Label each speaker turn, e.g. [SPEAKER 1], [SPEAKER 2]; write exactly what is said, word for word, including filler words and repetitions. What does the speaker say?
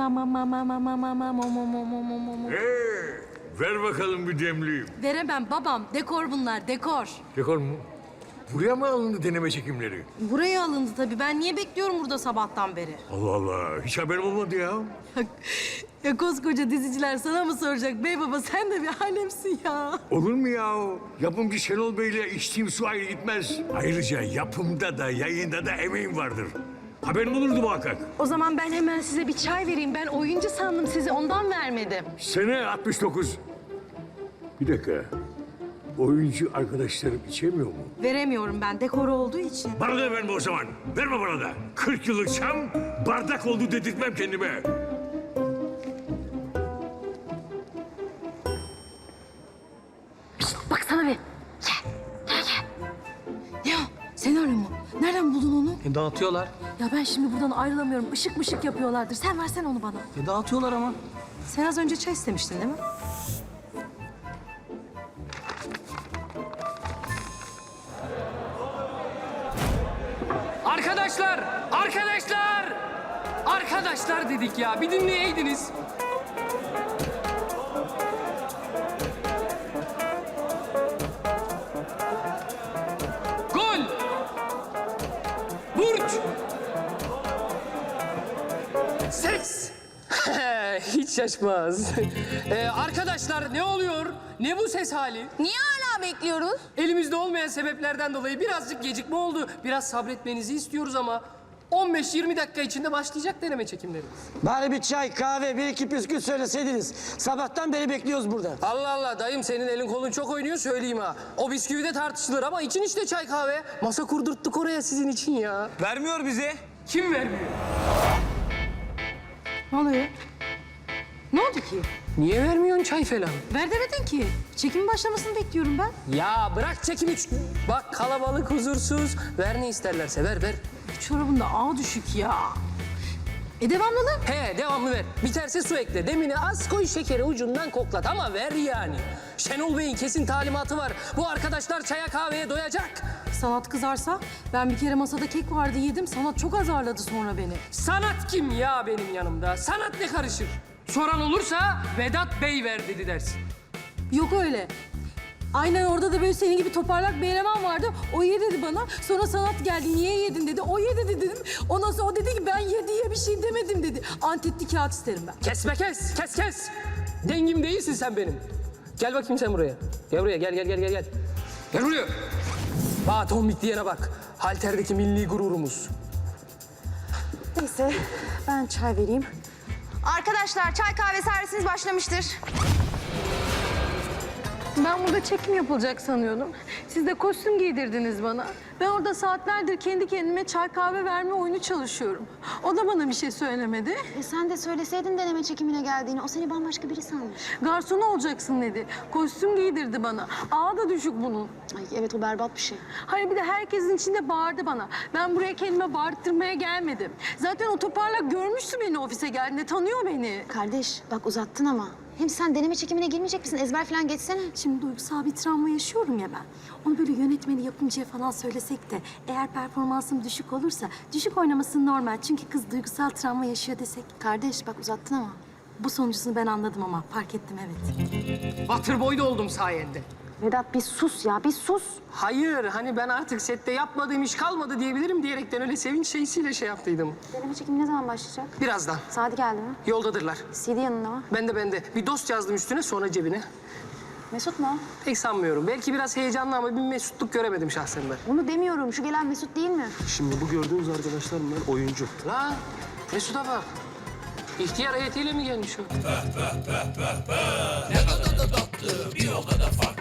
[SPEAKER 1] ma ma ma ma ma ma ma ma mo mo mo mo mo mo mo.
[SPEAKER 2] Ee, ver bakalım bir demliği.
[SPEAKER 1] Veremem babam. Dekor bunlar, dekor.
[SPEAKER 2] Dekor mu? Buraya mı alındı deneme çekimleri?
[SPEAKER 1] Buraya alındı tabii. Ben niye bekliyorum burada sabahtan beri?
[SPEAKER 2] Allah Allah, hiç haberim olmadı ya.
[SPEAKER 1] Ya koskoca diziciler sana mı soracak? Bey baba sen de bir alemsin ya.
[SPEAKER 2] Olur mu ya? Yapımcı Şenol Bey'le içtiğim su ayrı gitmez. Ayrıca yapımda da yayında da emeğim vardır. Haberim olurdu muhakkak.
[SPEAKER 1] O zaman ben hemen size bir çay vereyim. Ben oyuncu sandım sizi, ondan vermedim.
[SPEAKER 2] Sene altmış dokuz. Bir dakika. Oyuncu arkadaşlarım içemiyor mu?
[SPEAKER 1] Veremiyorum ben, dekor olduğu için.
[SPEAKER 2] Bana da verme o zaman. Verme bana da. Kırk yıllık çam bardak oldu dedirtmem kendime.
[SPEAKER 1] Baksana bir. Gel, gel, gel. Ne o? Senaryo mu? Nereden buldun onu?
[SPEAKER 3] E, dağıtıyorlar.
[SPEAKER 1] Ya ben şimdi buradan ayrılamıyorum. Işık mışık yapıyorlardır. Sen versen onu bana.
[SPEAKER 3] E, dağıtıyorlar ama.
[SPEAKER 1] Sen az önce çay istemiştin değil mi?
[SPEAKER 4] Arkadaşlar! Arkadaşlar! Arkadaşlar dedik ya. Bir dinleyeydiniz. Gol! Burç! Ses! Hiç şaşmaz. Ee, arkadaşlar ne oluyor? Ne bu ses hali?
[SPEAKER 5] Niye hala bekliyoruz?
[SPEAKER 4] Elimizde olmayan sebeplerden dolayı birazcık gecikme oldu. Biraz sabretmenizi istiyoruz ama on beş yirmi dakika içinde başlayacak deneme çekimlerimiz.
[SPEAKER 3] Bari bir çay, kahve, bir iki püskül söyleseydiniz. Sabahtan beri bekliyoruz burada.
[SPEAKER 4] Allah Allah dayım senin elin kolun çok oynuyor söyleyeyim ha. O bisküvi de tartışılır ama için işte çay kahve. Masa kurdurttuk oraya sizin için ya.
[SPEAKER 6] Vermiyor bize.
[SPEAKER 4] Kim vermiyor?
[SPEAKER 1] Ne oluyor? Ne oldu ki?
[SPEAKER 4] Niye vermiyorsun çay falan?
[SPEAKER 1] Ver demedin ki. Çekimin başlamasını bekliyorum ben.
[SPEAKER 4] Ya bırak çekimi. Bak kalabalık huzursuz. Ver ne isterlerse ver ver.
[SPEAKER 1] Bu çorabın da ağa düşük ya. E devamlı lan.
[SPEAKER 4] He devamlı ver. Biterse su ekle. Demini az koy şekeri ucundan koklat ama ver yani. Şenol Bey'in kesin talimatı var. Bu arkadaşlar çaya kahveye doyacak.
[SPEAKER 1] Sanat kızarsa ben bir kere masada kek vardı yedim. Sanat çok azarladı sonra beni.
[SPEAKER 4] Sanat kim ya benim yanımda? Sanat ne karışır? Soran olursa Vedat Bey ver dedi dersin.
[SPEAKER 1] Yok öyle. Aynen orada da böyle senin gibi toparlak bir eleman vardı. O ye dedi bana. Sonra Sanat geldi. Niye yedin dedi. O ye dedi dedim. Ondan sonra o dedi ki ben ye diye bir şey demedim dedi. Antetli kağıt isterim ben.
[SPEAKER 4] Kesme kes, kes kes. Dengim değilsin sen benim. Gel bakayım sen buraya. Gel buraya, gel gel gel gel gel. Gel buraya. Bak tombik diyene bak. Halterdeki milli gururumuz.
[SPEAKER 5] Neyse ben çay vereyim. Arkadaşlar çay kahve servisiniz başlamıştır.
[SPEAKER 1] Ben burada çekim yapılacak sanıyordum. Siz de kostüm giydirdiniz bana. Ben orada saatlerdir kendi kendime çay kahve verme oyunu çalışıyorum. O da bana bir şey söylemedi.
[SPEAKER 5] E sen de söyleseydin deneme çekimine geldiğini. O seni bambaşka biri sanmış.
[SPEAKER 1] Garson olacaksın dedi. Kostüm giydirdi bana. Ağa da düşük bunun.
[SPEAKER 5] Ay evet o berbat bir şey.
[SPEAKER 1] Hayır bir de herkesin içinde bağırdı bana. Ben buraya kendime bağırttırmaya gelmedim. Zaten o toparlak görmüştü beni ofise geldiğinde. Tanıyor beni.
[SPEAKER 5] Kardeş bak uzattın ama. Hem sen deneme çekimine girmeyecek misin? Ezber falan geçsene.
[SPEAKER 1] Şimdi duygusal bir travma yaşıyorum ya ben. Onu böyle yönetmeni, yapımcıya falan söylesek de eğer performansım düşük olursa düşük oynaması normal. Çünkü kız duygusal travma yaşıyor desek.
[SPEAKER 5] Kardeş bak uzattın ama.
[SPEAKER 1] Bu sonucunu ben anladım ama fark ettim evet.
[SPEAKER 4] Waterboy da oldum sayende.
[SPEAKER 5] Vedat bir sus ya bir sus.
[SPEAKER 4] Hayır, hani ben artık sette yapmadığım iş kalmadı diyebilirim diyerekten öyle sevinç şeysiyle şey yaptıydım.
[SPEAKER 5] Deneme çekimi ne zaman başlayacak?
[SPEAKER 4] Birazdan.
[SPEAKER 5] Saati geldi mi?
[SPEAKER 4] Yoldadırlar.
[SPEAKER 5] C D yanında mı?
[SPEAKER 4] Ben de ben de. Bir dost yazdım üstüne sonra cebine.
[SPEAKER 5] Mesut mu?
[SPEAKER 4] Pek sanmıyorum. Belki biraz heyecanlı ama bir mesutluk göremedim şahsen ben.
[SPEAKER 5] Onu demiyorum. Şu gelen Mesut değil mi?
[SPEAKER 6] Şimdi bu gördüğünüz arkadaşlar bunlar oyuncu.
[SPEAKER 4] La Mesut'a bak. İhtiyar heyetiyle mi gelmiş o?
[SPEAKER 7] Ne kadar da tatlı, bir o kadar farklı.